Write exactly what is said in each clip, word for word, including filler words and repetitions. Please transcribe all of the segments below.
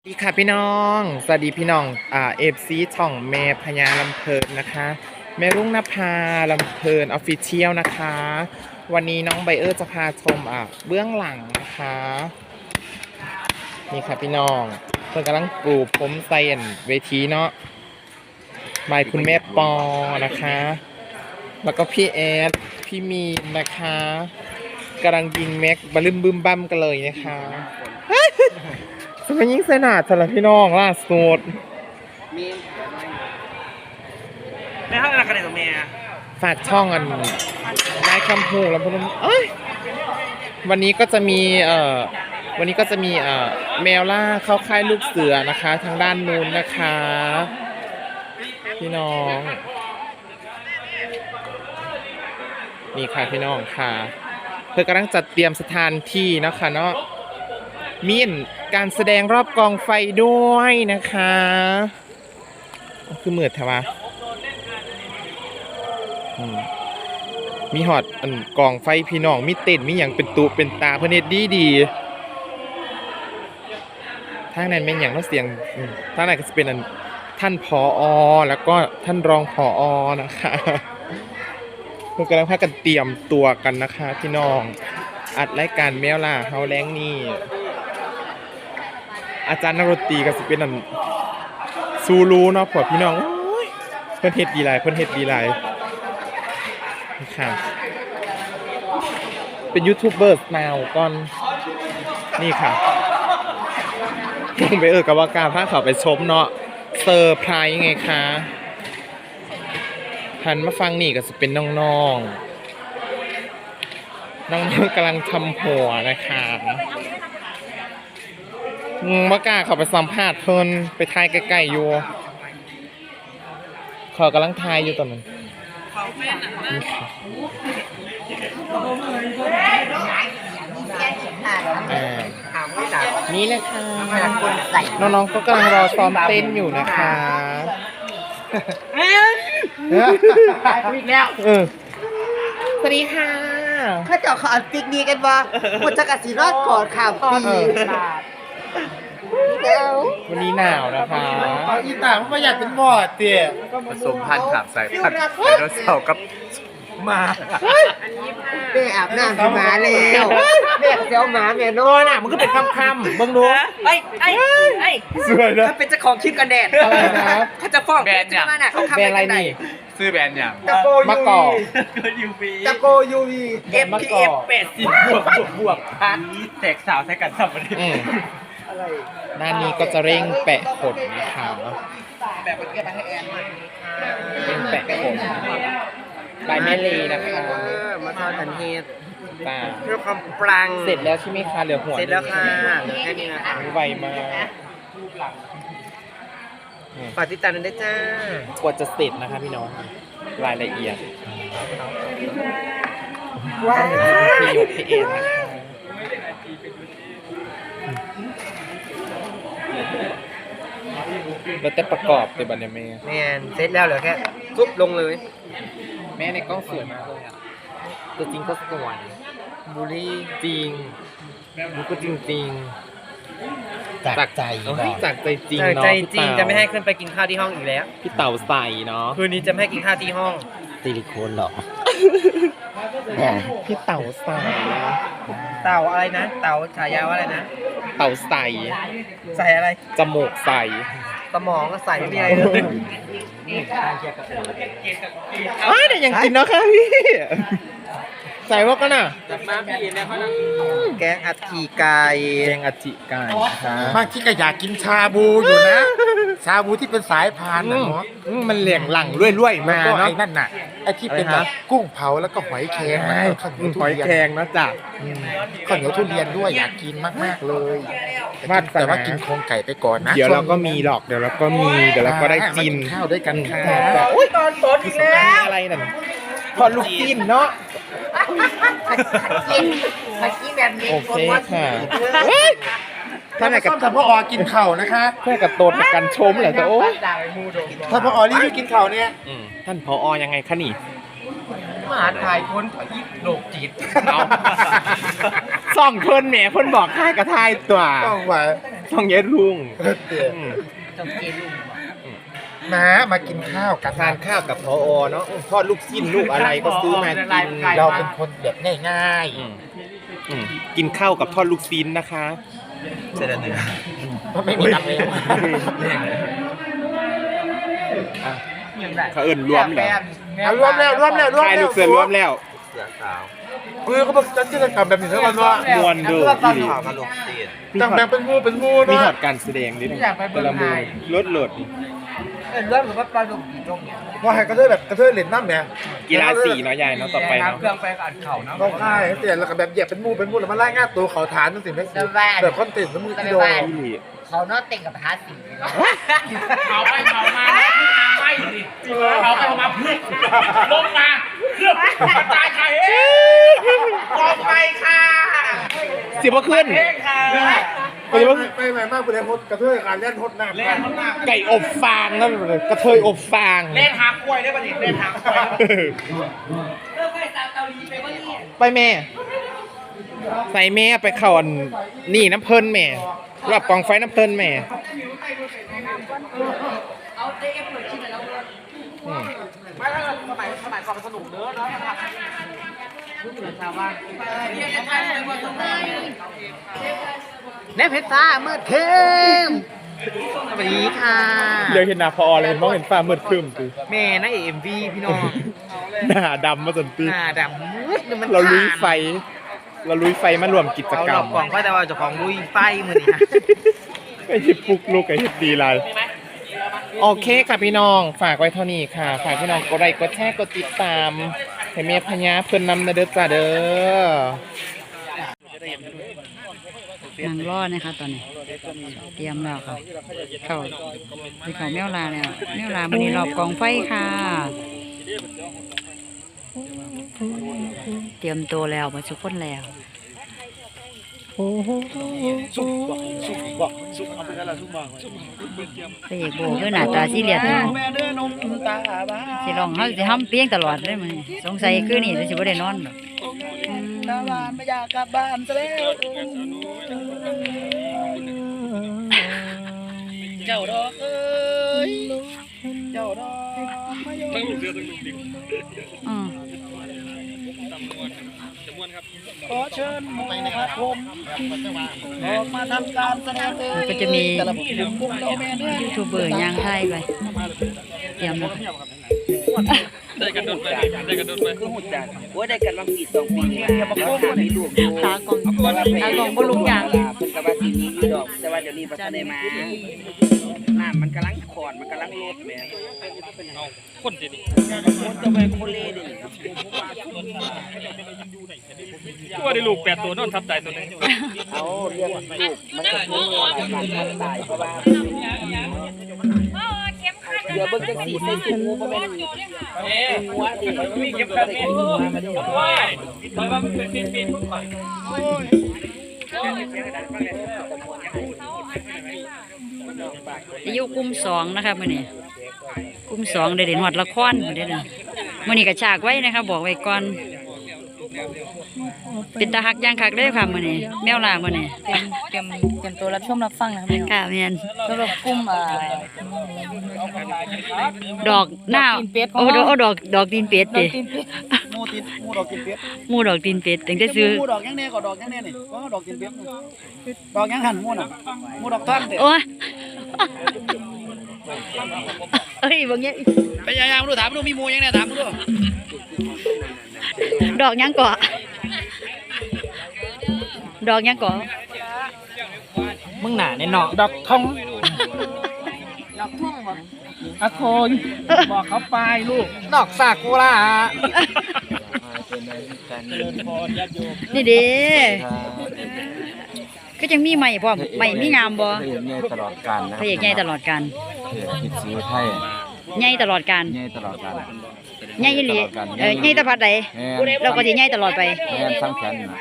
สวัสดีค่ะพี่น้องสวัสดีพี่น้องอ่าเอฟซีช่องแม่พญาลำเพลินนะคะแม่รุ่งนภาลำเพลินออฟฟิเชียลนะคะวันนี้น้องไบเออร์จะพาชมอ่ะเบื้องหลังนะคะนี่ค่ะพี่น้องเพื่อนกำลังปลูกผมไซเอนเวทีเนาะบายคุณแม่ปอนะคะแล้วก็พี่แอดพี่มีนนะคะกำลังยิงแม็กบลึมบึมบั้มกันเลยนะคะสมัยยิ่งเสนาสำหรับพี่น้องล่าสุดในห้องอะไรกันเนี่ยตัวเมียฝากช่องอันได้คำพูแล้วพวกนั้นเอ้ยวันนี้ก็จะมีเอ่อวันนี้ก็จะมีเอ่อแมวล่าเข้าค่ายลูกเสือนะคะทางด้านนู้นนะคะพี่น้องนี่ค่ะพี่น้องค่ะเพื่อกำลังจัดเตรียมสถานที่นะคะเนาะมีการแสดงรอบกองไฟด้วยนะคะคือมืดแถวะมีหอดอันกองไฟพี่น้องมีเต้นมีอย่างเป็นตุเป็นตาเพื่อนเฮ็ดดีดีทางนั้นเป็นอย่างน้องเสียงทางนั้นก็จะเป็นอันท่านผอ.แล้วก็ท่านรองผอ.นะคะพวกกำลังพากันเตรียมตัวกันนะคะพี่น้องอัดรายการแมวล่าเฮาแรงนี่อาจารย์นักดนตรีก็สิเป็นอันซูรูเนาะพวกพี่น้องเพิ่นเฮ็ดดีหลายเพิ่นเฮ็ดดีหลายค่ะเป็นยูทูบเบอร์แนวก่อนนี่ค่ะต้องไปเออกับว่าการพาเขาไปชมเนาะเซอร์ไพรส์ไงคะหันมาฟังนี่ก็จะเป็นน้องๆน้องๆกำลังทำหัวนะคะมากล้าเขาไปสัมภาษณ์เพิ่นไปทายใกล้ๆอยู่เขากำลังทายอยู่ตอนนั้นนี่เลยค่ะน้องๆก็กำลังรอซ้อมเต้นอยู่นะคะอีกแล้วเออสวัสดีค่ะข้าเจ้าเขาอันปิกนี้กันว่าคุณจะกระสีรอดก่อนข่าวปีวันนี้หนาวนะคะเอาอีต่างไม่อยากเป็นบอดเตี๋ยผสมพันธุ์ขับสายพันธุ์ไดโนเสาร์กับหมาแม่อาบน้ำหมาแล้วแม่เจ้าหมาแม่นอนอ่ะมันก็เป็นคำคำบังดูไอ้ไอ้ไอ้สวยนะถ้าเป็นเจ้าของคลิปกันแดดอะไรนะเขาจะฟ้องแบรนด์เนี่ยเขาทำอะไรนี่ซื้อแบรนด์อย่างตะโกมะกอกยูวีตะโกยูวีเอฟพีเอฟแปดสิบบวกบวกบวกพันแตกสาวใช้กันสับปะรดด้านนี้ก็จะเร่งแปะขนนะคะแบบเมื่อกี้ให้แอนมาเร่งแปะขนใบแม่ลีนะคะมาทอดทันเทศตาเพื่อความปรังเสร็จแล้วใช่ไหมคะเหลือหัวเสร็จแล้วค่ะเหลือแค่นี้นะคะไวมากฝากติดตามด้วยจ้ากว่าจะเสร็จนะคะพี่น้องรายละเอียดว้าวพี่ยกพี่เอ็นนะคะแล้วแต่ประกอบเป็นบันเดเม่แมนเสร็จแล้วเหลือแค่ซุบลงเลยแม่ในกล้องสวยมากเลยอ่ะตัวจริงก็สวยบูลลี่จริงมันก็จริงจริงจากใจจากใจจริงเนาะใจจริงจะไม่ให้ขึ้นไปกินข้าวที่ห้องอีกแล้วพี่เต่าใส่เนาะคืนนี้จะไม่ให้กินข้าวที่ห้องซิลิโคนหรอพี่เต่าใส่เต่าอะไรนะเต่าฉายาว่าอะไรนะเต่าใส่ใส่อะไรจมูกใส่สมองก็ใส่ไม่มีอะไรเลยเอ้ยแต่ยังกินเนาะค่ะพี่ใส่ว่ากันน่ะแกงอัดฉีไก่แกงอัดฉีไก่บางที่ก็อยากกินชาบูอยู่นะชาบูที่เป็นสายพานนะเนาะมันเหลี่ยงหลังรวยๆมาเนาะไอ้นั่นน่ะไอ้ที่เป็นแบบกุ้งเผาแล้วก็หอยแครงหอยแครงนะจ๊ะข้าวเหนียวทุเรียนด้วยอยากกินมากๆเลยแต่ว่ากินโครงไก่ไปก่อนนะเดี๋ยวเราก็มีหรอกเดี๋ยวเราก็มีเดี๋ยวเราก็ได้กินข้าวด้วยกันค่ะโอ้ยตอนสดอีกแล้วอะไรนั่นพอลูกกินเนาะกินมากินแบบนี้โอเคค่ะถ้าไหนกับถ้าพ่ออกินเข่านะคะเพื่อกับโตดกันชมเหรอจ๊ะโอ้ถ้าพ่ออรีบกินเข่าเนี่ยท่านพอยังไงคะนี่มหาถ่ายคนถ่ายโลกจิตเอาส่องเพิ่นแหมเพิ่นบอกทายกับทายตัวต้องไว้ส่องเย็ดลุงเตี๋ยอืมต้องเกลุงมามากินข้าวกันทานข้าวกับพอเนาะทอดลูกชิ้นลูกอะไรก็ซื้อมากินเราเป็นคนแบบง่ายอืมอืมกินข้าวกับทอดลูกชิ้นนะคะเสร็จแล้วเนี่ยๆไม่มีตังค์เลยเขาเอิ้นรวมแล้วเอารวมแล้วรวมแล้วรวมทายแล้ลูวกเสือรวมแล้วเสือสาวเออเขาบอกจะกิจกรรมแบบนี้ทั้งวันว่ามวนเด้ออีหลีข่าวกระโหลกเตียนต่างแบ่งเป็นหมู่เป็นหมู่มีเนาะถอดการแสดงดิแต่ละมือลดโหลดเออเรื่องแบบปลาดุกตรงเนี้ยว่าให้กระเทยแบบกระเทยเล่นน้ำเนี่ยกีฬาสีเนาะยายเนาะต่อไปเนาะเครื่องไปอัดเข่าเนาะต้องค่ายให้เตียนแล้วก็แบบเหยียบเป็นหมู่เป็นหมู่แล้วมาไล่ง่าตัวเขาฐานนั่นสิแม่สิแบบคอนเทนต์แล้วมือที่โดนอีหลีเขาเนาะเต็งกับพาสิเขาไปเขามาไม่ดิเขาไปมาพึ่งลงมาเพื่อกระจายไข่เอ้กองไปค่ะสิบ่ขึ้นเองค่ะไปไปไปมากไปเลยฮดกระเทยการเล่นฮดน้ำเล่นมันมากไก่อบฟางนั่นเลยกระเทยอบฟางเล่นหากล้วยได้ป่ะนี่เล่นหากล้วยไปแม่ใส่แม่ไปเข้าอันนี่น้ำเพิ่นแม่รับกองไฟน้ำเพิ่นแม่อืมไม่ถ้าสมัยสมัยก่อนมันสนุกเด้อเนาะนะครับแม่เพชรฟ้าเมื่อเทมสวัสดีค่ะเดี๋ยวเห็นหน้าพอเลยเห็นมองเห็นฟ้ามืดครึ้มคือแม่นักเอ็มวีพี่น้องหน้าดำมาจนตีหน้าดำมืดมันเราลุยไฟ เราลุยไฟมารวมกิจเอากรหลรอมกกล่องไฟแต่ว่าเจ้าของลุยไฟมือนี่ฮะไอ้ที่ปลุกลูกไอ้ที่ดีไรโอเคค่ะพี่น้อง ฝากไว้เท่านี้ค่ะ ฝากพี่น้องกดไลค์กดแชร์กดติดตามให้เมียพญาเพิ่นนำนะเด้อจ้าเด้อนางรอดนะคะตอนนี้ เตรียมแล้วค่ะ เข้าที่เขาแมวลาแล้วแมวลามันนี่รอบกองไฟค่ะ เตรียมตัวแล้วมาทุกคนแล้วพระเอกโบคือหน้าตาซีเรียสอยู่สิร้องเขาสิห้ำเพียงตลอดเลยมันสงสัยคือนี่สิบ่ได้นอนหรอกตาบานไม่อยากกลับบ้านซะแล้วเจ้าดอกเอ้ยเจ้าดอกไม่ยอมอืมขอเชิญไปนะครับผมออกมาทำการแสดงเลยมันก็จะมีแต่ละบุคคลบุคคลแม่เด้อยูทูบเบอร์ย่างไทยไป เตรียมแล้วได้กันโดนไปได้กันโดนไปคือหุ่นจัดโอ้ได้กันบางปีสองปีเนี่ยมาโค้งมีลูกอยู่ตากล่องตากล่องบ่ลุกยางเพิ่นก็ว่าสิมีอยู่ดอกแต่ว่าเดี๋ยวนี้บ่ทันได้มาน้ำมันกำลังขอนมันกำลังลดแหม่เอาคนดิคนจะไปโคเลดิตัวได้ลูกแปดตัวนอนทับตายตัวนึงเอาเรื่องลูกมันก็คือหลายการตายเพราะว่าเดี๋ยวเบิ่งจังสีใส่ถุงงูบ่แม่นหัวดิมีเก็บขัดได้หัวมาดิว้ายตอนว่ามันเป็นปีนปีนพุ่งไปอายุกลุ่มสองนะคะมื่อนี้กลุ่มสองได้เด่นหอดละครมื่อนี้เลยมื่อนี้กระฉากไว้นะคะบอกไว้ก่อน เป็นตาหักย่างคักเลยค่ะมื่อนี้แมวลามื่อนี้เตรียมเตรียมเตรียมตัวรับชมรับฟังนะครับพี่น้องค่ะเมียนสำหรับกลุ่มอ่าดอกหน้าดอกตีนเป็ดของโอ้เราโอ้ดอกดอกตีนเป็ดดอเด้กตีนเป็ดหมูตีนหมูดอกตีนเป็ดหมูดอกตีนเป็ดถึงได้ซื้อหมูดอกยังแน่ก็ดอกยังแน่นี่ว่าดอกตีนเป็ดดอกยังหันหมูน่ะหมูดอกท่อนเด้โอ้ย เอ้ยบางอย่างพยายามดูถามดูมีหมูยังแน่ถามดูดอกหยังเกาะดอกหยังเกาะมึงหนาในเนาะดอกทองดอกทุ่งบ่อะโคยบอกเขาไปลูกดอกซากุระนี่เด้ก็ยังมีใหม่พร้อมใหม่มีงามบ่พระเอกใหญ่ตลอดกาลนะพระเอกใหญ่ตลอดการพระเอกคิดซื้อไทยใหญ่ตลอดการใหญ่ตลอดกาลใหญ่อีหลีเออใหญ่ตะพัดใดแม่นเราก็สิใหญ่ตลอดไปแม่นสร้างแขนน่ะ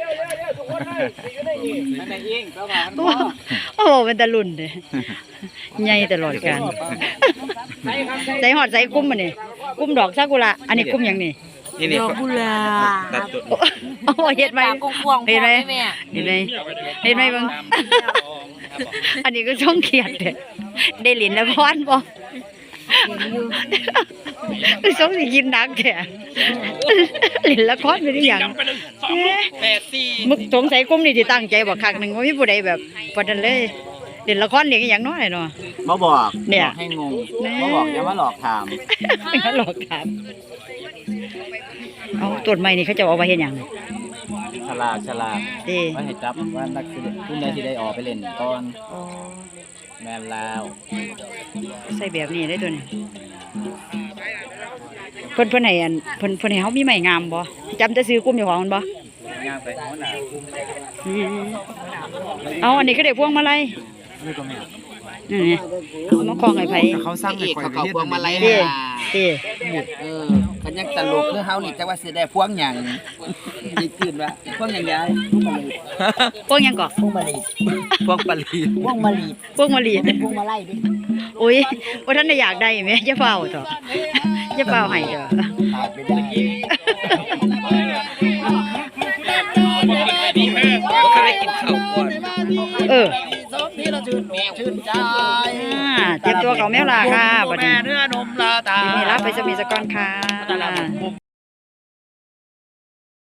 โอ้โอ้เป็นตะลุ่นเด้ใหญ่ตลอดการ ใส่หอดใส่กุ้มมันนี่กุ้มดอกซากุระอันนี้กุ้มหยังนี่นี่นี่ดอกกุหลาตัดบจุดโอ้เห็นไหมกวางๆเห็นไหมแม่เห็นไหมเห็นไหมเบังอันนี้ก็ช่องเขียดเด้ได้เหรียญละครบ่คือช่องสิกินนักแท้เหรียญละครเป็นอหย่างแปดสี่มึกสงสัยกลุ่มนี้ที่ตั้งใจบอกคักหนึ่งว่ามีผู้ใดแบบปานนั้นเลยเล่นละครเลี้ยงอหย่างน้อยเนาะมาบอกเนี่ยบอกให้งงมาบอกอย่ามาหลอกถามไม่งั้นหลอกถามเอาตรวจใหม่นี่เขาจะเอาไปเห็นอย่างฉลาดฉลาดดีว่าให้จับว่านักสิผู้ใดที่ได้ออกไปเล่นก่อนอ๋อแม่นแล้วใส่แบบนี้ได้ตัวนี้เพิ่นเพิ่นให้อันเพิ่นเพิ่นให้เฮามีไม้งามบ่จำจะซื้อกลุ่มอยู่ของมันบ่ย่างไปหัวหน้าอืมเอาอันนี้ก็ได้พวงมาลัยนี่ก็แม่นี่ไงเอามาคล้องให้ไผเขาสร้างให้ข่อยเขาพวงมาลัยเด้เด้เออคันยังตลกเรื่องเฮานี่จักว่าสิได้พวงหยังนี่ตื่นว่าพวงหยังยายพวงหยังก่อพวงมะลิพวงปลีพวงมะลิพวงมะลิพวงมาลัยดิโอ้ยบ่ทันได้อยากได้แม่อย่าเฝ้าเถอะอย่าเฝ้าให้เด้อตายไปได้ก็ได้กินข้าวก่อนเออสมที่เราชื่นอกชื่นใจอ่าเตรียมตัวเขาแมวลาค่ะบัดนี้แม่เนื้อนมลาตาทีนี้รับไปจะมีสกอนค่ะ